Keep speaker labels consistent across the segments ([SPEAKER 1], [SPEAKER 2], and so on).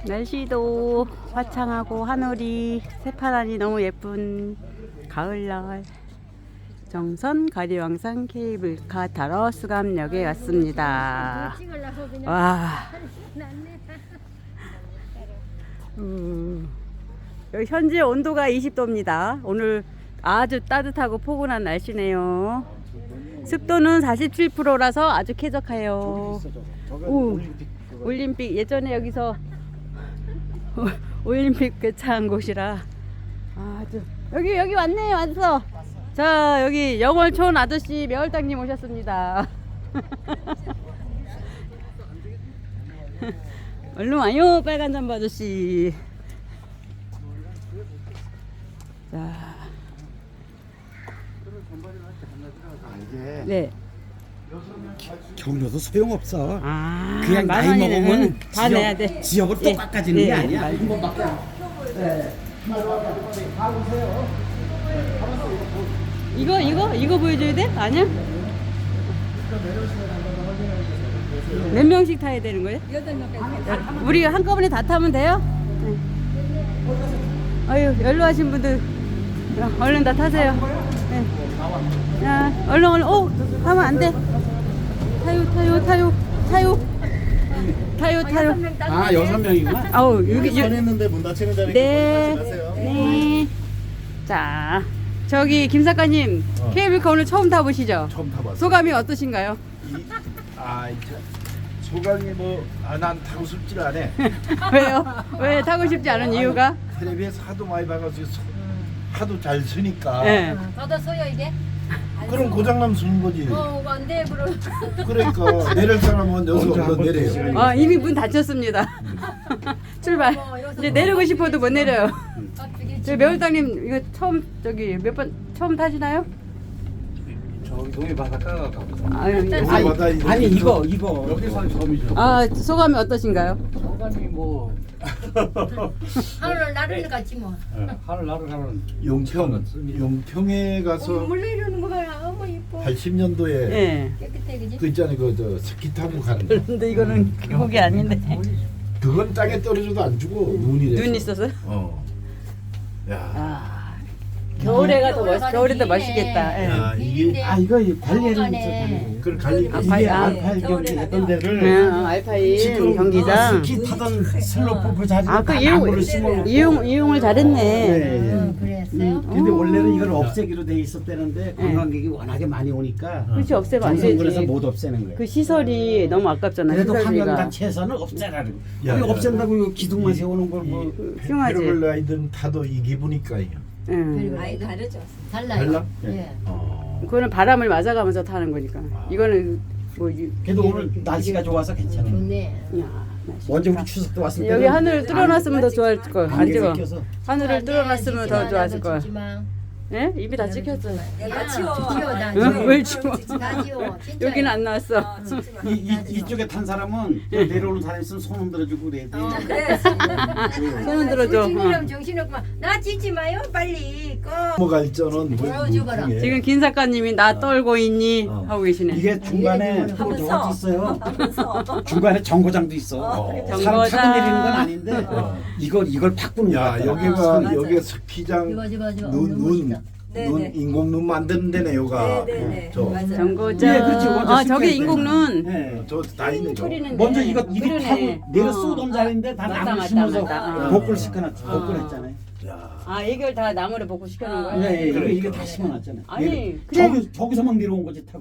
[SPEAKER 1] 날씨도 화창하고 하늘이 새파랗니 너무 예쁜 가을날 정선 가리왕산 케이블카 타러 수감역에 왔습니다. 와, 여기 현재 온도가 20도입니다. 오늘 아주 따뜻하고 포근한 날씨네요. 습도는 47%라서 아주 쾌적해요. 오, 올림픽 예전에 여기서 올림픽 개최한 곳이라 아주 여기 왔네. 왔어. 자, 여기 영월촌 아저씨 매월당님 오셨습니다. 얼른 와요, 빨간 잠바 아저씨. 자,
[SPEAKER 2] 이게
[SPEAKER 1] 네.
[SPEAKER 2] 경로도 소용없어.
[SPEAKER 1] 아,
[SPEAKER 2] 그냥 나이
[SPEAKER 1] 만원이네.
[SPEAKER 2] 먹으면
[SPEAKER 1] 다 내야 돼.
[SPEAKER 2] 지역을 또
[SPEAKER 1] 예.
[SPEAKER 2] 깎아지는 게
[SPEAKER 1] 예,
[SPEAKER 2] 아니야.
[SPEAKER 1] 맞아요.
[SPEAKER 2] 한 번밖에. 네.
[SPEAKER 1] 이거 보여줘야 돼? 아니야? 몇 명씩 타야 되는 거예요? 8명까지. 우리 한꺼번에 다 타면 돼요? 네. 아유, 연로하신 분들 얼른 다 타세요. 네. 자, 얼른 오, 가면 안 돼. 타요.
[SPEAKER 2] 아, 6명이구나.
[SPEAKER 1] 아우, 여기
[SPEAKER 3] 했는데 문 닫히는 자리니까
[SPEAKER 1] 네.
[SPEAKER 3] 마세요.
[SPEAKER 1] 네. 자, 저기 김 작가님, 케이블카 오늘 처음 타보시죠?
[SPEAKER 3] 처음 타봤어.
[SPEAKER 1] 소감이 어떠신가요?
[SPEAKER 3] 소감이 난 타고 싶지를 않아.
[SPEAKER 1] 왜요? 왜 타고 싶지 않은 이유가?
[SPEAKER 3] 텔레비에서 하도 많이 봐가지고 하도 잘 쓰니까.
[SPEAKER 1] 네.
[SPEAKER 4] 더더 써요 이게?
[SPEAKER 3] 그럼 고장남 쓰는 거지.
[SPEAKER 4] 안돼 그럼.
[SPEAKER 3] 그러니까 내릴 사람은 여기서 얼른 내려요.
[SPEAKER 1] 아, 이미 문 닫혔습니다. 출발. 이제 내리고 싶어도 못 내려요. 저 매울당님 이거 처음 몇 번 처음 타시나요?
[SPEAKER 2] 저기 동해 바닷가 가보자.
[SPEAKER 1] 아유,
[SPEAKER 3] 아니,
[SPEAKER 2] 이거.
[SPEAKER 3] 여기서 처음이죠.
[SPEAKER 1] 아, 소감이 어떠신가요?
[SPEAKER 2] 소감이 뭐
[SPEAKER 4] 하늘 나르는 같지 뭐.
[SPEAKER 2] 하늘 나를 가는
[SPEAKER 3] 용평에 가서
[SPEAKER 4] 물 내리는 거 봐라. 어머 이뻐.
[SPEAKER 3] 80년도에
[SPEAKER 1] 예.
[SPEAKER 4] 깨끗해 그지?
[SPEAKER 3] 그 있잖아요, 저 스키 타고 가는 거.
[SPEAKER 1] 근데 이거는 계곡이 아닌데.
[SPEAKER 3] 그건 땅에 떨어져도 안 주고 눈이
[SPEAKER 1] 눈 있어서?
[SPEAKER 3] 야.
[SPEAKER 1] 아, 겨울에가 더 겨울에 더 맛있겠다. 예.
[SPEAKER 3] 야, 이게
[SPEAKER 2] 이거 관리를
[SPEAKER 4] 중간에.
[SPEAKER 3] 그걸 갈리
[SPEAKER 1] 아,
[SPEAKER 2] 이게
[SPEAKER 1] 아,
[SPEAKER 2] 알파일 경기 했던 데를
[SPEAKER 1] 알파인
[SPEAKER 2] 지금
[SPEAKER 1] 경기장.
[SPEAKER 2] 스키 타던 슬로프 자리에
[SPEAKER 1] 아, 그
[SPEAKER 2] 다 나무를 심어놓고.
[SPEAKER 1] 이용을 잘했네.
[SPEAKER 2] 네.
[SPEAKER 4] 그랬어요?
[SPEAKER 2] 근데 원래는 이걸 없애기로 돼 있었다는데 관광객이 워낙에 많이 오니까
[SPEAKER 1] 그렇지, 없애면 안
[SPEAKER 2] 정성군에서
[SPEAKER 1] 되지.
[SPEAKER 2] 못 없애는 거예요.
[SPEAKER 1] 그 시설이 너무 아깝잖아.
[SPEAKER 2] 그래도
[SPEAKER 1] 시설비가.
[SPEAKER 2] 환경단체에서는 없애라고.
[SPEAKER 3] 야,
[SPEAKER 2] 아니
[SPEAKER 3] 야.
[SPEAKER 2] 없앤다고 이거 기둥만 세우는 걸 뭐.
[SPEAKER 1] 흉하지.
[SPEAKER 3] 패러글라이드는 타도 이 기분이니까요.
[SPEAKER 4] 아이 다르죠. 달라요.
[SPEAKER 3] 달라?
[SPEAKER 4] 예.
[SPEAKER 1] 그거는 바람을 맞아가면서 타는 거니까. 이거는 뭐
[SPEAKER 2] 그래도 오늘 날씨가 좋아서 괜찮아.
[SPEAKER 4] 좋네.
[SPEAKER 1] 야, 날씨
[SPEAKER 2] 언제
[SPEAKER 1] 좋다.
[SPEAKER 2] 우리 추석 때 왔을 때
[SPEAKER 1] 여기 하늘을 뚫어놨으면 더 좋아할 걸. 안 찍어.
[SPEAKER 2] 껴서.
[SPEAKER 1] 하늘을 뚫어놨으면 더 좋았을 걸.
[SPEAKER 4] 걸.
[SPEAKER 1] 예? 입이 다 찍혔어요.
[SPEAKER 4] 내가 지워. 나
[SPEAKER 1] 응? 뭘 지워?
[SPEAKER 4] 다 지워. 진짜.
[SPEAKER 1] 여기는 안 나왔어.
[SPEAKER 2] 이쪽에 탄 사람은 내려오는 사람 있으면 손 흔들어주고 그래야 돼.
[SPEAKER 4] 그래.
[SPEAKER 1] 손 흔들어줘.
[SPEAKER 4] 지금 정신없구만. 나 찍지 마요 빨리.
[SPEAKER 3] 넘어갈 저는
[SPEAKER 4] 찍어봐라.
[SPEAKER 1] 지금 김 작가님이 나 떨고 있니? 하고 계시네.
[SPEAKER 2] 이게 중간에 또 저것도 있어요. 중간에 정거장도 있어. 사람 타고 내리는 건 아닌데 이걸 바꾸는 거야.
[SPEAKER 3] 야, 여기가 스키장
[SPEAKER 4] 맞아.
[SPEAKER 3] 눈 인공눈 만드는 데네 요가. 저
[SPEAKER 1] 정거장.
[SPEAKER 2] 예, 그렇지.
[SPEAKER 1] 아, 저게 인공눈.
[SPEAKER 2] 네.
[SPEAKER 3] 저 다 있는 거.
[SPEAKER 2] 먼저 이거 이리
[SPEAKER 1] 그러네.
[SPEAKER 2] 타고 내려 쏘던 자리인데 다
[SPEAKER 1] 맞다,
[SPEAKER 2] 나무
[SPEAKER 1] 맞다,
[SPEAKER 2] 심어서
[SPEAKER 1] 맞다.
[SPEAKER 2] 복구를 시켜놨지. 복구를 했잖아요.
[SPEAKER 3] 야,
[SPEAKER 1] 아, 이걸 다 나무를 복구 시켜놓은 거야?
[SPEAKER 2] 네, 이게 다 심어놨잖아요.
[SPEAKER 1] 아니, 그냥
[SPEAKER 2] 저기서 막 내려온 거지 타고.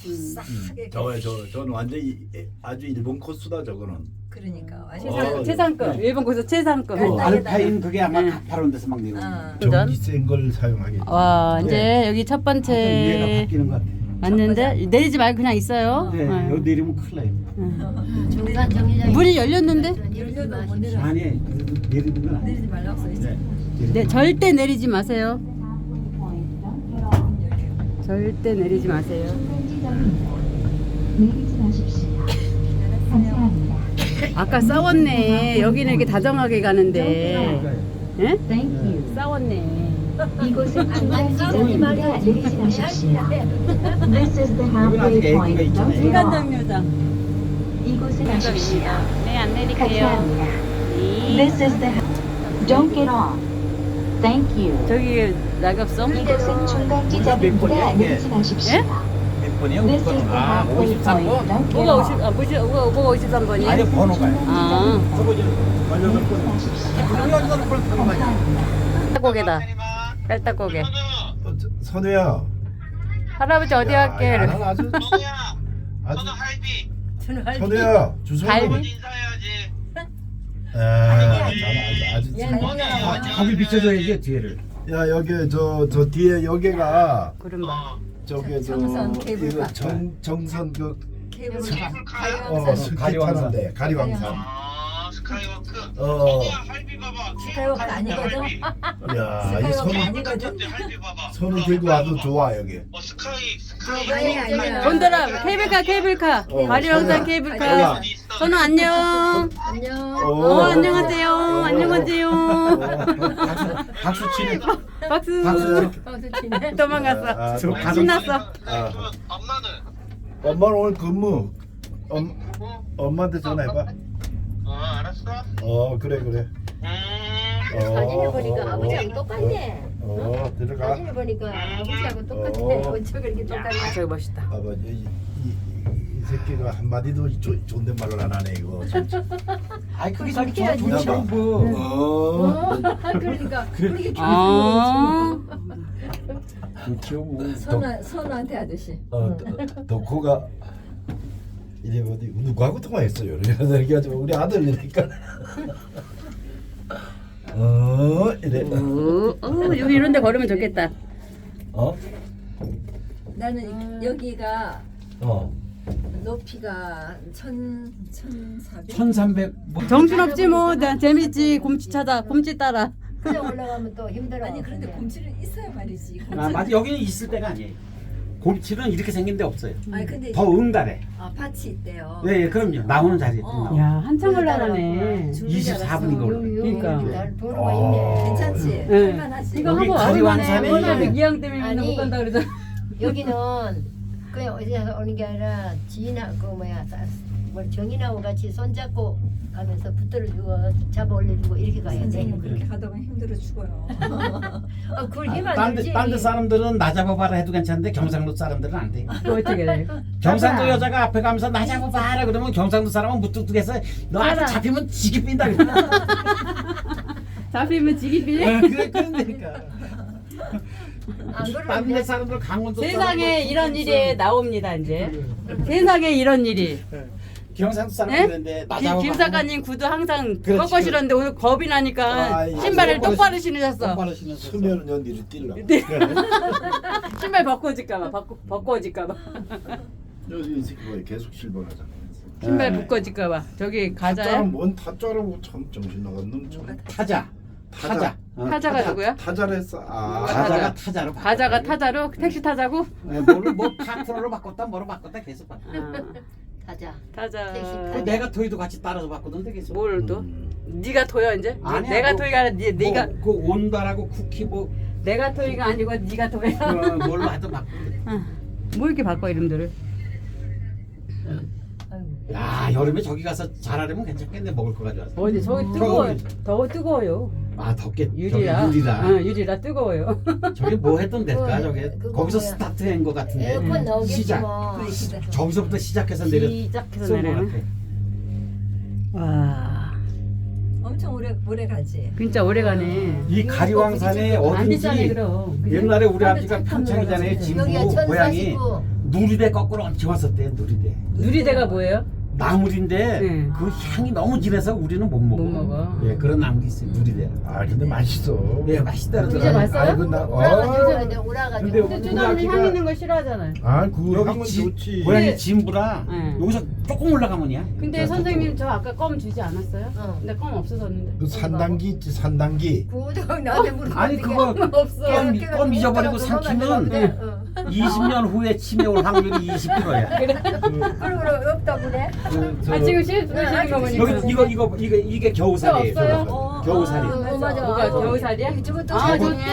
[SPEAKER 3] 저는 완전히 아주 일본 코스다 저거는.
[SPEAKER 4] 그러니까.
[SPEAKER 1] 최상급. 일본 거기서 최상급.
[SPEAKER 2] 알파인 그게 아마 가파른 데서 막 내려온 거야.
[SPEAKER 3] 전기 센 걸 사용하겠지.
[SPEAKER 1] 와, 이제 여기 첫
[SPEAKER 2] 위에가
[SPEAKER 1] 번째
[SPEAKER 2] 바뀌는 것 같아.
[SPEAKER 1] 왔는데 내리지 말고 그냥 있어요.
[SPEAKER 2] 네,
[SPEAKER 1] 어.
[SPEAKER 2] 여기 내리면 큰일 나요.
[SPEAKER 4] 중간 정류장.
[SPEAKER 1] 문이 열렸는데?
[SPEAKER 2] 아니, 그래도 내리는 건 아니에요.
[SPEAKER 4] 내리지 말라고 써 있어.
[SPEAKER 1] 네, 절대 내리지 마세요. 절대 내리지 마세요.
[SPEAKER 5] 내리지 마십시오. 감사합니다.
[SPEAKER 1] 아까 싸웠네. 여기는 이렇게 다정하게 가는데. 예?
[SPEAKER 5] Thank you.
[SPEAKER 1] 싸웠네.
[SPEAKER 5] 이곳은 중간지점입니다. 내리지 마십시오. This is the halfway point. Don't
[SPEAKER 1] 중간
[SPEAKER 5] stop.
[SPEAKER 1] 정류장.
[SPEAKER 5] 이곳에 가십시오.
[SPEAKER 1] 네, 안 내릴게요.
[SPEAKER 5] 감사합니다.
[SPEAKER 1] 네.
[SPEAKER 5] This is the. Don't get off. Thank you.
[SPEAKER 1] 저기 낙엽성?
[SPEAKER 5] 이곳은 중간 지점입니다. 명심하십시오.
[SPEAKER 3] 몇 번이요?
[SPEAKER 5] This is the halfway point. Don't get
[SPEAKER 1] 뭐가
[SPEAKER 5] off.
[SPEAKER 1] 53번이야?
[SPEAKER 3] 아니 번호가요.
[SPEAKER 1] 아,
[SPEAKER 3] 저거 이제 완전
[SPEAKER 1] 딸딱고개다. 딸딱고개.
[SPEAKER 3] 선우야.
[SPEAKER 1] 할아버지 어디 갈게?
[SPEAKER 3] 나는 아주 아주
[SPEAKER 4] 저는 할비.
[SPEAKER 3] 선우야 주소.
[SPEAKER 1] 갈비?
[SPEAKER 3] 나는 아주
[SPEAKER 2] 거기 비춰줘야지 뒤에를.
[SPEAKER 3] 야 여기 저 뒤에 여기가
[SPEAKER 1] 구름바.
[SPEAKER 3] 저기
[SPEAKER 4] 정선 케이블카.
[SPEAKER 3] 정선 그
[SPEAKER 4] 케이블카.
[SPEAKER 3] 스키
[SPEAKER 2] 가리왕산.
[SPEAKER 3] 타는데 가리왕산.
[SPEAKER 6] 스카이워크.
[SPEAKER 3] 어.
[SPEAKER 6] 할비 봐봐.
[SPEAKER 4] 스카이워크 아니거든.
[SPEAKER 3] 야, 이
[SPEAKER 4] 스카이워크
[SPEAKER 3] 선우
[SPEAKER 4] 아니거든.
[SPEAKER 6] 할비 봐봐.
[SPEAKER 3] 선우 들고 와도 좋아 여기.
[SPEAKER 6] 스카이.
[SPEAKER 4] 아니야.
[SPEAKER 1] 돈들아, 케이블카. 가리왕산 케이블카. 선우 안녕.
[SPEAKER 4] 안녕.
[SPEAKER 1] 안녕하세요. 안녕하세요.
[SPEAKER 2] 박수 치네.
[SPEAKER 1] 박수.
[SPEAKER 4] 박수 치네.
[SPEAKER 1] 도망갔어.
[SPEAKER 3] 저
[SPEAKER 2] 가족-
[SPEAKER 1] 신났어.
[SPEAKER 6] 엄마는?
[SPEAKER 3] 엄마는 오늘 근무. 엄마한테 전화해봐.
[SPEAKER 6] 알았어.
[SPEAKER 3] 그래.
[SPEAKER 4] 사진을 보니까 아버지하고 똑같네.
[SPEAKER 3] 들어가.
[SPEAKER 4] 사진을 보니까 아버지하고 똑같아. 어쩌고 이렇게 똑같네.
[SPEAKER 1] 저기 멋있다.
[SPEAKER 3] 아버지 이 새끼가 한 마디도 존댓말을 안 하네 이거. 진짜.
[SPEAKER 2] 아이 그게
[SPEAKER 4] 그렇게
[SPEAKER 2] 저
[SPEAKER 4] 해야지.
[SPEAKER 2] 좋지 뭐.
[SPEAKER 4] 그러니까 그렇게
[SPEAKER 1] 아,
[SPEAKER 3] 귀여워.
[SPEAKER 4] 선우한테 아저씨.
[SPEAKER 3] 덕호가 이래 어디 누구하고 통화했어요? 이렇게 가지고 우리 아들이니까. 이래.
[SPEAKER 1] 여기 이런 데 걸으면 좋겠다.
[SPEAKER 4] 나는 여기가
[SPEAKER 3] 어.
[SPEAKER 4] 높이가 1,400.
[SPEAKER 2] 1300 뭐.
[SPEAKER 1] 정신없지 뭐. 나 재밌지. 곰치 찾아. 곰치 따라.
[SPEAKER 4] 그냥 올라가면 또 힘들어. 아니 그런데 곰치는 있어야 말이지.
[SPEAKER 2] 아 맞아 여기는 있을 때가 아니에요. 곰치는 이렇게 생긴 데 없어요.
[SPEAKER 4] 아니 근데
[SPEAKER 2] 더 응달해.
[SPEAKER 4] 밭이 있대요.
[SPEAKER 2] 네, 그럼요. 나오는 자리에 나와.
[SPEAKER 1] 야, 한참 올라가네.
[SPEAKER 2] 24분인가 올라.
[SPEAKER 1] 그러니까.
[SPEAKER 4] 도로가 있네. 괜찮지?
[SPEAKER 1] 네.
[SPEAKER 4] 할만하지.
[SPEAKER 1] 이거
[SPEAKER 2] 여기
[SPEAKER 1] 하고
[SPEAKER 2] 가리왕산에
[SPEAKER 1] 얼마나 이양 때문에 맨날
[SPEAKER 7] 아니.
[SPEAKER 1] 못 간다 그러잖아.
[SPEAKER 7] 여기는 그냥 어디서 오는 게 아니라 지인하고 뭐 정인하고 같이 손잡고 가면서 붙들어 주고 잡아 올려주고 이렇게 가야 돼.
[SPEAKER 4] 선생님 그렇게 하다 보면 힘들어 죽어요.
[SPEAKER 7] 그걸 힘안 들지.
[SPEAKER 2] 딴데 사람들은 나 잡아봐라 해도 괜찮은데 경상도 사람들은 안 돼.
[SPEAKER 1] 어떻게 돼?
[SPEAKER 2] 경상도 여자가 앞에 가면서 나 잡아봐라 그러면 경상도 사람은 무뚝뚝해서 너 아주
[SPEAKER 1] 알아.
[SPEAKER 2] 잡히면 지기 빈다 그래.
[SPEAKER 1] 잡히면 지기 빌.
[SPEAKER 2] 그러니까.
[SPEAKER 7] 안 그러면
[SPEAKER 2] 딴데
[SPEAKER 7] 이제
[SPEAKER 2] 사람들 강원도
[SPEAKER 1] 세상에 이런 일이 나옵니다 이제. 세상에 이런 일이.
[SPEAKER 2] 경상도
[SPEAKER 1] 네?
[SPEAKER 2] 사람들인데 나 잡아봐.
[SPEAKER 1] 김 작가님 구두 항상
[SPEAKER 2] 그렇지,
[SPEAKER 1] 꺾으시던데 오늘 겁이 나니까
[SPEAKER 3] 아이,
[SPEAKER 1] 신발을
[SPEAKER 2] 똑바로
[SPEAKER 1] 똑바로 신으셨어.
[SPEAKER 2] 똑바로 신어서.
[SPEAKER 3] 수면은 연디를 뛸라.
[SPEAKER 1] 신발 벗겨질까봐 벗겨질까봐.
[SPEAKER 3] 이 새끼가 계속 실버하잖아.
[SPEAKER 1] 신발
[SPEAKER 2] 네.
[SPEAKER 1] 벗겨질까봐. 저기 가자요?
[SPEAKER 3] 타짜는 뭔 타짜라고 참 정신 나간 놈 참.
[SPEAKER 2] 타자.
[SPEAKER 1] 타자가 누구야?
[SPEAKER 3] 타자를 했어.
[SPEAKER 2] 가자가 타자로 바꿨다.
[SPEAKER 1] 가자가 타자로 택시 타자고?
[SPEAKER 2] 뭐 파트너로 바꿨다 뭐로 바꿨다 계속 바꿨다.
[SPEAKER 7] 가자.
[SPEAKER 1] 타자.
[SPEAKER 7] 택시
[SPEAKER 2] 그
[SPEAKER 7] 타자.
[SPEAKER 2] 내가 토이도 같이 따라서 바꾸던데 계속.
[SPEAKER 1] 뭘 또? 네가 토여 이제?
[SPEAKER 2] 아니야,
[SPEAKER 1] 내가
[SPEAKER 2] 뭐,
[SPEAKER 1] 토이가 아니라 네가
[SPEAKER 2] 그 온다라고 쿠키 뭐
[SPEAKER 1] 내가 토이가 아니고 네가 토야.
[SPEAKER 2] 뭘로 하든 바꾸데
[SPEAKER 1] 뭐 이렇게 바꿔 이름들을?
[SPEAKER 2] 야 여름에 저기 가서 잘하려면 괜찮겠네 먹을 거 가져와서.
[SPEAKER 1] 어디 저기 뜨거워요. 더 뜨거워요.
[SPEAKER 2] 아 덥게.
[SPEAKER 1] 유리라.
[SPEAKER 2] 저기 유리라.
[SPEAKER 1] 유리라 뜨거워요.
[SPEAKER 2] 저기 뭐 했던 데일까 저게.
[SPEAKER 7] 그거
[SPEAKER 2] 거기서
[SPEAKER 7] 뭐야.
[SPEAKER 2] 스타트한 거 같은데.
[SPEAKER 7] 에어컨 나오겠지
[SPEAKER 2] 시작.
[SPEAKER 7] 뭐.
[SPEAKER 2] 저기서부터 시작해서 내려.
[SPEAKER 1] 시작해서
[SPEAKER 2] 쏜거
[SPEAKER 1] 내려는.
[SPEAKER 2] 같아.
[SPEAKER 1] 와,
[SPEAKER 4] 엄청 오래 가지.
[SPEAKER 1] 진짜 오래가네.
[SPEAKER 2] 이 가리왕산에
[SPEAKER 1] 안 비싸네
[SPEAKER 2] 어딘지
[SPEAKER 1] 그럼. 그지?
[SPEAKER 2] 옛날에 우리 아버지가
[SPEAKER 4] 참
[SPEAKER 2] 평창이잖아요.
[SPEAKER 4] 놀라지.
[SPEAKER 2] 진부
[SPEAKER 7] 여기가
[SPEAKER 2] 고향이
[SPEAKER 7] 1049.
[SPEAKER 2] 누리대 거꾸로 얹혀 왔었대. 누리대.
[SPEAKER 1] 누리대가 뭐예요?
[SPEAKER 2] 나물인데
[SPEAKER 1] 네.
[SPEAKER 2] 그 향이 너무 진해서 우리는 못 먹어.
[SPEAKER 1] 못 먹어.
[SPEAKER 2] 예, 그런 나물이 있어요. 누리대.
[SPEAKER 3] 근데 맛있어.
[SPEAKER 2] 예, 맛있다
[SPEAKER 1] 이제
[SPEAKER 2] 그러더라고요.
[SPEAKER 1] 맛있어요?
[SPEAKER 3] 아이고 나.
[SPEAKER 7] 오라가지고 오라가지고.
[SPEAKER 2] 근데
[SPEAKER 1] 근데
[SPEAKER 2] 우리
[SPEAKER 1] 쭈나는
[SPEAKER 2] 아기가-
[SPEAKER 1] 향 있는 거 싫어하잖아요.
[SPEAKER 3] 그
[SPEAKER 2] 여기
[SPEAKER 3] 향은 좋지.
[SPEAKER 2] 고향이
[SPEAKER 1] 근데-
[SPEAKER 2] 진부라
[SPEAKER 1] 네.
[SPEAKER 2] 여기서 조금 올라가면이야.
[SPEAKER 1] 근데 선생님 저 아까 껌 주지 않았어요? 근데 껌 없어졌는데.
[SPEAKER 3] 그 산단기 있지 산단기.
[SPEAKER 7] 구호동 나한테 물어보는
[SPEAKER 2] 아니 그거
[SPEAKER 1] 없어.
[SPEAKER 2] 껌 잊어버리고 삼키면 20년 후에 치매 올 확률이 20%야.
[SPEAKER 7] 그럼 없다 그래?
[SPEAKER 1] 아 지금 실 부르시는 거 보니까.
[SPEAKER 2] 이게 겨우살이에요.
[SPEAKER 1] 없어요?
[SPEAKER 2] 겨우살이.
[SPEAKER 7] 맞아.
[SPEAKER 1] 뭐가 겨우살이야?
[SPEAKER 7] 이쪽은 또
[SPEAKER 1] 아,
[SPEAKER 7] 잘
[SPEAKER 1] 저
[SPEAKER 7] 되네.
[SPEAKER 1] 때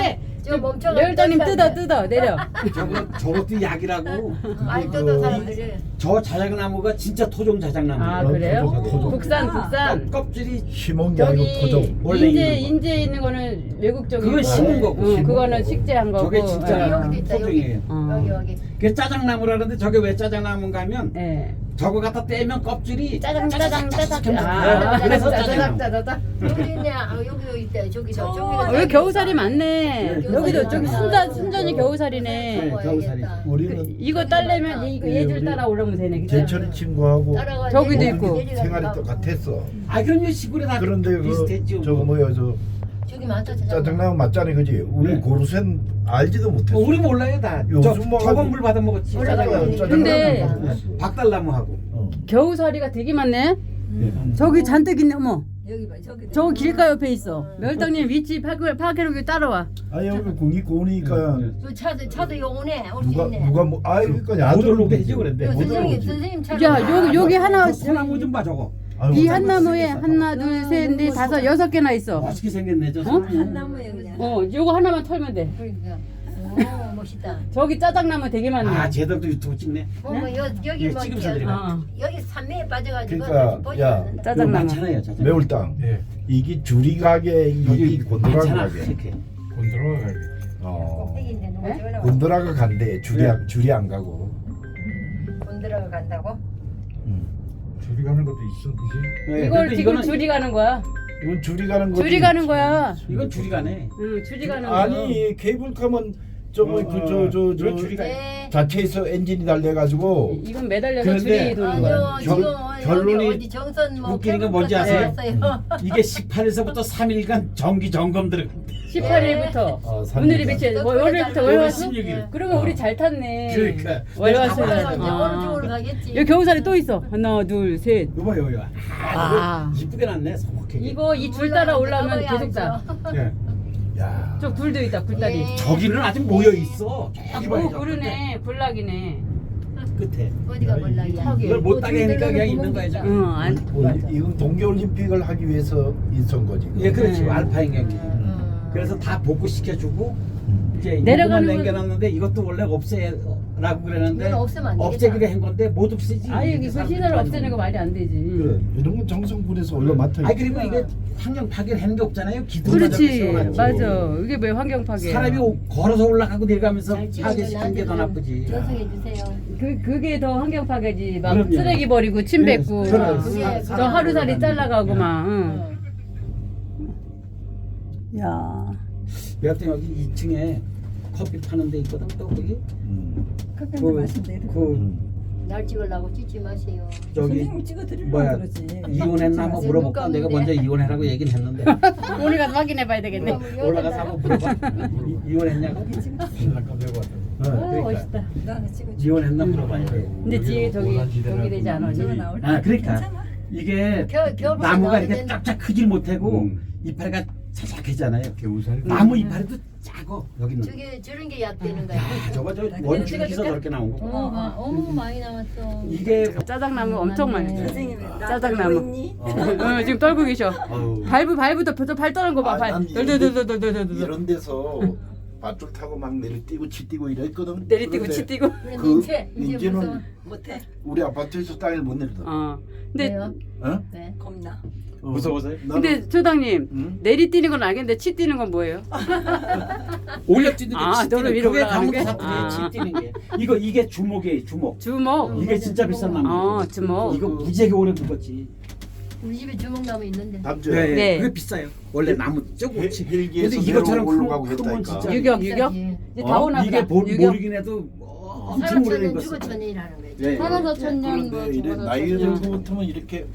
[SPEAKER 7] 저 멈춰.
[SPEAKER 1] 매월장님 뜯어 내려.
[SPEAKER 2] 저것도 약이라고.
[SPEAKER 7] 많이 뜯어 사람들이.
[SPEAKER 2] 저 자작나무가 진짜 토종 자작나무.
[SPEAKER 1] 아 그래요?
[SPEAKER 3] 토종.
[SPEAKER 1] 국산.
[SPEAKER 2] 껍질이
[SPEAKER 3] 심은 게 아니고
[SPEAKER 1] 저기
[SPEAKER 3] 토종.
[SPEAKER 2] 원래
[SPEAKER 1] 인제 있는 거는 외국 쪽이고.
[SPEAKER 2] 그건 심은 거고.
[SPEAKER 1] 응, 그거는 식재한 거고.
[SPEAKER 2] 저게 진짜
[SPEAKER 7] 여기도 있다,
[SPEAKER 2] 토종이에요.
[SPEAKER 7] 여기 여기.
[SPEAKER 2] 그게 짜장나무라는데 저게 왜 짜장나무인가 하면
[SPEAKER 1] 예.
[SPEAKER 2] 저거 갖다 떼면 껍질이
[SPEAKER 1] 짜장.
[SPEAKER 2] 그래서
[SPEAKER 1] 짜장.
[SPEAKER 7] 여기 있네. 여기 있다. 저기도.
[SPEAKER 1] 여기 겨우살이 많네.
[SPEAKER 2] 네,
[SPEAKER 1] 여기도 저기
[SPEAKER 7] 겨우살이
[SPEAKER 1] 순전히 겨우살이네.
[SPEAKER 2] 네, 겨우살이.
[SPEAKER 3] 우리는
[SPEAKER 1] 이거 딸려면 이거 얘줄 따라 올라오면 되네. 그죠?
[SPEAKER 3] 제철이 친구하고
[SPEAKER 1] 저기도 있고.
[SPEAKER 3] 생활이 똑같았어.
[SPEAKER 2] 아 그럼 이 시골에 다
[SPEAKER 3] 그런데
[SPEAKER 2] 비슷했지.
[SPEAKER 3] 저거 뭐야 저
[SPEAKER 7] 저기 많다.
[SPEAKER 3] 짜장면 맞잖아 그지? 우리
[SPEAKER 2] 네.
[SPEAKER 3] 고루센 알지도 못했어.
[SPEAKER 2] 우리 몰라요 다.
[SPEAKER 3] 요즘 뭐
[SPEAKER 2] 저건 물 받아 먹었지.
[SPEAKER 7] 짜장면.
[SPEAKER 1] 근데
[SPEAKER 2] 박달나무하고.
[SPEAKER 1] 겨우살이가 되게 많네. 저기 잔뜩 있네. 어머.
[SPEAKER 4] 여기 봐 저기.
[SPEAKER 1] 저 길가 옆에 있어. 멸당님 위치 파괴로 따라와.
[SPEAKER 3] 아니 여기 공이 고우니까
[SPEAKER 7] 차도 오네. 올 수 있네.
[SPEAKER 3] 누가 뭐 그러니까
[SPEAKER 2] 못 올라오게 해줘 그랬는데.
[SPEAKER 3] 못
[SPEAKER 7] 선생님
[SPEAKER 3] 올라오지.
[SPEAKER 7] 선생님 차로.
[SPEAKER 1] 야 여기 하나
[SPEAKER 2] 소나무 좀 봐 저거.
[SPEAKER 3] 아유,
[SPEAKER 1] 이 한 나무에 하나 둘 셋 넷 다섯 여섯 개나 있어.
[SPEAKER 2] 멋있게 생겼네 저.
[SPEAKER 4] 한 나무에 그냥.
[SPEAKER 1] 요거 하나만 털면 돼.
[SPEAKER 7] 그러니까. 오 멋있다.
[SPEAKER 1] 저기 짜장나무 되게 많네.
[SPEAKER 2] 아 쟤들도 유튜브 찍네.
[SPEAKER 7] 여기 뭐
[SPEAKER 2] 찍으면서 내려가.
[SPEAKER 1] 어.
[SPEAKER 7] 여기 산매에 빠져가지고
[SPEAKER 3] 그러니까,
[SPEAKER 7] 보지
[SPEAKER 3] 야,
[SPEAKER 7] 않는다.
[SPEAKER 1] 짜장나무.
[SPEAKER 2] 많잖아요 자장.
[SPEAKER 3] 매울 땅. 이게 주리 가게 이게 곤드라
[SPEAKER 2] 많잖아.
[SPEAKER 3] 가게.
[SPEAKER 2] 이렇게.
[SPEAKER 7] 꼭대기인데 누가
[SPEAKER 1] 네?
[SPEAKER 7] 전화
[SPEAKER 3] 곤드라가 간대. 주리 안 가고.
[SPEAKER 7] 건드려 간다고?
[SPEAKER 3] 주리 가는 것도 있어, 그지?
[SPEAKER 2] 네,
[SPEAKER 1] 이걸
[SPEAKER 2] 근데
[SPEAKER 1] 지금
[SPEAKER 2] 이거는-
[SPEAKER 1] 줄이 가는 거야.
[SPEAKER 3] 이건 주리 가는 거지.
[SPEAKER 1] 줄이 가는 거야.
[SPEAKER 2] 이건 줄이 가네.
[SPEAKER 1] 응, 줄이 가는 거.
[SPEAKER 3] 아니 케이블카면 저거
[SPEAKER 2] 이건 줄이 가네.
[SPEAKER 7] 네.
[SPEAKER 3] 자체에서 엔진이 달려가지고
[SPEAKER 1] 이건 매달려서
[SPEAKER 2] 그런데-
[SPEAKER 1] 줄이 도는 거야.
[SPEAKER 7] 아니요 지금
[SPEAKER 2] 결론이
[SPEAKER 7] 어디 정선 뭐
[SPEAKER 2] 웃기는 건 뭔지 아세요?
[SPEAKER 7] 왔어요.
[SPEAKER 2] 이게 18일서부터 3일간 정기 점검 들어.
[SPEAKER 1] 18일부터
[SPEAKER 3] 삼
[SPEAKER 1] 오늘이
[SPEAKER 3] 일간.
[SPEAKER 1] 며칠? 월요일부터
[SPEAKER 2] 오늘
[SPEAKER 1] 월화수?
[SPEAKER 2] 16일.
[SPEAKER 1] 그러면 우리 잘 탔네.
[SPEAKER 2] 그러니까.
[SPEAKER 1] 월화수.
[SPEAKER 2] 내가
[SPEAKER 7] 이제 오늘 쪽으로 가겠지.
[SPEAKER 1] 여기 겨우살이 또 있어. 하나, 둘, 셋.
[SPEAKER 2] 요봐 요봐.
[SPEAKER 1] 아.
[SPEAKER 2] 이거 이쁘게 났네 소복하게.
[SPEAKER 1] 이거 이 줄 따라 올라오면
[SPEAKER 7] 가봐야
[SPEAKER 1] 계속 다.
[SPEAKER 7] 알죠.
[SPEAKER 2] 예.
[SPEAKER 3] 야.
[SPEAKER 1] 저 굴도 있다. 굴다리.
[SPEAKER 7] 예.
[SPEAKER 2] 저기는 아직 모여 있어. 저기 봐요.
[SPEAKER 1] 오,
[SPEAKER 2] 저
[SPEAKER 1] 그러네. 굴락이네.
[SPEAKER 2] 끝에.
[SPEAKER 7] 어디가 몰락이야.
[SPEAKER 2] 이걸 못 따게 하니까 그냥 있는 거야 지금.
[SPEAKER 1] 응, 안.
[SPEAKER 3] 이건 동계올림픽을 하기 위해서 있었던 거지.
[SPEAKER 2] 예, 그렇지.
[SPEAKER 1] 네.
[SPEAKER 2] 알파인 경기. 그래서 다 복구 시켜주고 이제
[SPEAKER 1] 내려가는
[SPEAKER 2] 이거만
[SPEAKER 1] 건-
[SPEAKER 2] 남겨놨는데 이것도 원래 없애라고 그랬는데
[SPEAKER 7] 이건 없애면 안 되겠다.
[SPEAKER 2] 없애기로 한 건데 못 없애지.
[SPEAKER 1] 아예 그 시설 없애는 거 말이 안 되지.
[SPEAKER 3] 그래. 이런 건 정성군에서 올라 맡아.
[SPEAKER 2] 아니 그리고 이게 환경 파괴를 하는 게 없잖아요. 기둥
[SPEAKER 1] 그렇지.
[SPEAKER 2] 맞아서.
[SPEAKER 1] 맞아. 이게 왜 환경 파괴야?
[SPEAKER 2] 사람이 걸어서 올라가고 내려가면서
[SPEAKER 7] 잘
[SPEAKER 2] 파괴시키는 게 더 나쁘지.
[SPEAKER 7] 전송해 주세요.
[SPEAKER 1] 그게 더 환경 파괴지. 막
[SPEAKER 2] 그럼요.
[SPEAKER 1] 쓰레기 버리고 침
[SPEAKER 2] 네,
[SPEAKER 1] 뱉고.
[SPEAKER 2] 그럼.
[SPEAKER 1] 저 하루살이 잘라가고 막. 응. 야.
[SPEAKER 2] 내가 또 여기 2층에 커피 파는 데 있거든. 또 거기
[SPEAKER 4] 커피 한잔 마신대.
[SPEAKER 7] 날 찍으려고 찍지 마세요.
[SPEAKER 2] 저기
[SPEAKER 4] 선생님 찍어드리려고
[SPEAKER 2] 뭐야
[SPEAKER 4] 그러지.
[SPEAKER 2] 이혼했나 뭐 물어볼까? 내가 먼저 이혼해라고 얘기는 했는데
[SPEAKER 1] 오늘 가서 확인해봐야 되겠네.
[SPEAKER 2] 올라가서 한번 물어봐. 이혼했냐고?
[SPEAKER 1] 오,
[SPEAKER 2] 그러니까
[SPEAKER 1] 멋있다.
[SPEAKER 4] 나는 찍어줘.
[SPEAKER 2] 이혼했나 물어봐요.
[SPEAKER 1] 근데 뒤에 저기 되지 않아?
[SPEAKER 4] 저거 나올 때
[SPEAKER 2] 아 그러니까
[SPEAKER 4] 괜찮아?
[SPEAKER 2] 이게
[SPEAKER 7] 겨울
[SPEAKER 2] 나무가
[SPEAKER 7] 나올
[SPEAKER 2] 이렇게
[SPEAKER 7] 때는
[SPEAKER 2] 쫙쫙 크질 못하고 이파리가 자작하잖아요.
[SPEAKER 3] 겨우살.
[SPEAKER 2] 나무 이파리도 작어 여기는.
[SPEAKER 7] 저게 저런 게 약되는 거야.
[SPEAKER 2] 저거 저 원줄기서 저렇게 나온 거.
[SPEAKER 7] 어머 많이 나왔어.
[SPEAKER 2] 이게
[SPEAKER 1] 짜장나무 엄청 많이.
[SPEAKER 4] 선생님이 나
[SPEAKER 1] 짜장나무.
[SPEAKER 4] 따고 있니?
[SPEAKER 1] 지금 떨고 계셔.
[SPEAKER 2] 어우.
[SPEAKER 1] 발부터 발 떠는 거 봐. 발.
[SPEAKER 3] 난
[SPEAKER 1] 덜덜덜덜덜덜.
[SPEAKER 3] 이런 데서 밧줄 타고 막 내리뛰고 치뛰고 이랬거든.
[SPEAKER 1] 내리뛰고
[SPEAKER 3] 그런데
[SPEAKER 1] 치뛰고.
[SPEAKER 3] 그
[SPEAKER 7] 이제
[SPEAKER 3] 이제는
[SPEAKER 7] 무슨
[SPEAKER 4] 못해.
[SPEAKER 3] 우리 아파트에서 땅을 못 내리더라.
[SPEAKER 1] 어. 근데
[SPEAKER 7] 왜요?
[SPEAKER 3] 어?
[SPEAKER 7] 네.
[SPEAKER 4] 겁나.
[SPEAKER 2] 무서워서요?
[SPEAKER 1] 근데 소장님
[SPEAKER 3] 응?
[SPEAKER 1] 내리뛰는 건 알겠는데 치 뛰는 건 뭐예요?
[SPEAKER 2] 올려 뛰는 게
[SPEAKER 1] 아,
[SPEAKER 2] 치 뛰는
[SPEAKER 1] 너를 위로
[SPEAKER 2] 그게
[SPEAKER 1] 올라가는
[SPEAKER 2] 강원도
[SPEAKER 1] 게?
[SPEAKER 2] 사투리에
[SPEAKER 1] 아.
[SPEAKER 2] 치 뛰는 게. 이게 주목이에요 주목.
[SPEAKER 1] 주먹.
[SPEAKER 2] 이게 진짜 비싼 나무.
[SPEAKER 1] 어, 주먹.
[SPEAKER 2] 이거 무지하게 오래 묵었지.
[SPEAKER 7] 우리 집에 주먹나무 있는데.
[SPEAKER 3] 담주야.
[SPEAKER 2] 네,
[SPEAKER 1] 네.
[SPEAKER 2] 그게 비싸요. 원래 나무 쪼고.
[SPEAKER 3] 헬기에서
[SPEAKER 2] 근데 이것처럼
[SPEAKER 3] 올라가고
[SPEAKER 2] 크면
[SPEAKER 3] 했다니까.
[SPEAKER 2] 진짜.
[SPEAKER 1] 유격. 이제 다 오나 보다.
[SPEAKER 2] 이게
[SPEAKER 1] 유격.
[SPEAKER 2] 모르긴 해도 엄청 오래
[SPEAKER 7] 살아서는
[SPEAKER 2] 묵었어.
[SPEAKER 7] 죽어천년이라는 거지.
[SPEAKER 2] 네.
[SPEAKER 1] 살아서 천년 뭐
[SPEAKER 3] 그런데 이래
[SPEAKER 1] 죽어서
[SPEAKER 3] 나이가
[SPEAKER 1] 천년.
[SPEAKER 3] 들고부터는 이렇게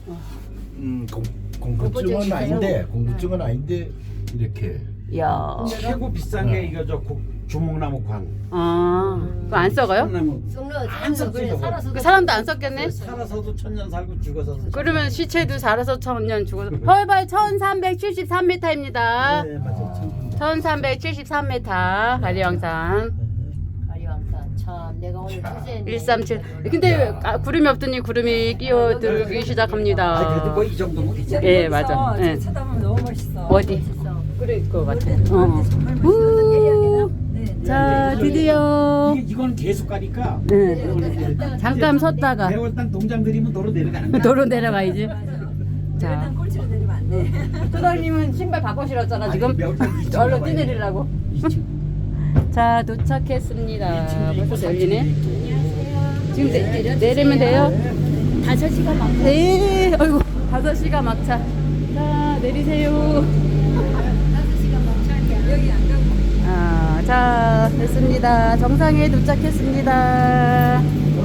[SPEAKER 3] 공급증은
[SPEAKER 7] 공급증이
[SPEAKER 3] 아닌데 공급증은 아닌데 이렇게
[SPEAKER 1] 야.
[SPEAKER 2] 최고 비싼 게 이거 저 주목나무 광.
[SPEAKER 1] 아. 그거 안 썩어요?
[SPEAKER 2] 나무.
[SPEAKER 7] 썩는
[SPEAKER 2] 안 썩지,
[SPEAKER 7] 그래
[SPEAKER 2] 저거.
[SPEAKER 7] 살아서
[SPEAKER 1] 그 사람도 안 썩겠네?
[SPEAKER 2] 살아서도 천년 살고 죽어서도.
[SPEAKER 1] 그러면 시체도 살아서 천년 죽어서 헐발 1373m입니다.
[SPEAKER 2] 네, 맞아요.
[SPEAKER 1] 1373m 가리왕산
[SPEAKER 7] 가리왕산 참 내가 오늘 투세
[SPEAKER 1] 137. 근데 구름이 없더니 구름이 끼어들기
[SPEAKER 2] 아,
[SPEAKER 1] 시작합니다.
[SPEAKER 2] 그래도 거의 이 정도면 괜찮아.
[SPEAKER 1] 예, 맞아. 예.
[SPEAKER 4] 쳐다보면 너무 멋있어.
[SPEAKER 1] 어디?
[SPEAKER 4] 멋있어.
[SPEAKER 1] 그럴 것 같아.
[SPEAKER 4] 정말 멋있어.
[SPEAKER 1] 우. 자, 드디어.
[SPEAKER 2] 이건 계속 가니까.
[SPEAKER 1] 네. 잠깐 섰다가
[SPEAKER 2] 배월당 동장 그리면 도로 내려가는 거야.
[SPEAKER 1] 도로 내려가야지. 자,
[SPEAKER 4] 꼴찌로 내리면 안 돼.
[SPEAKER 1] 투덜님은 신발 바꿔 신었잖아 지금. 얼른 뛰내리려고.
[SPEAKER 2] 2층.
[SPEAKER 1] 자, 도착했습니다. 벌써 열리네. 지금 내리면 돼요? 5시가 막차. 네, 아이고, 5시가 막차. 자, 내리세요.
[SPEAKER 4] 5시간 막차야. 여기 안 가고.
[SPEAKER 1] 자, 됐습니다. 정상에 도착했습니다.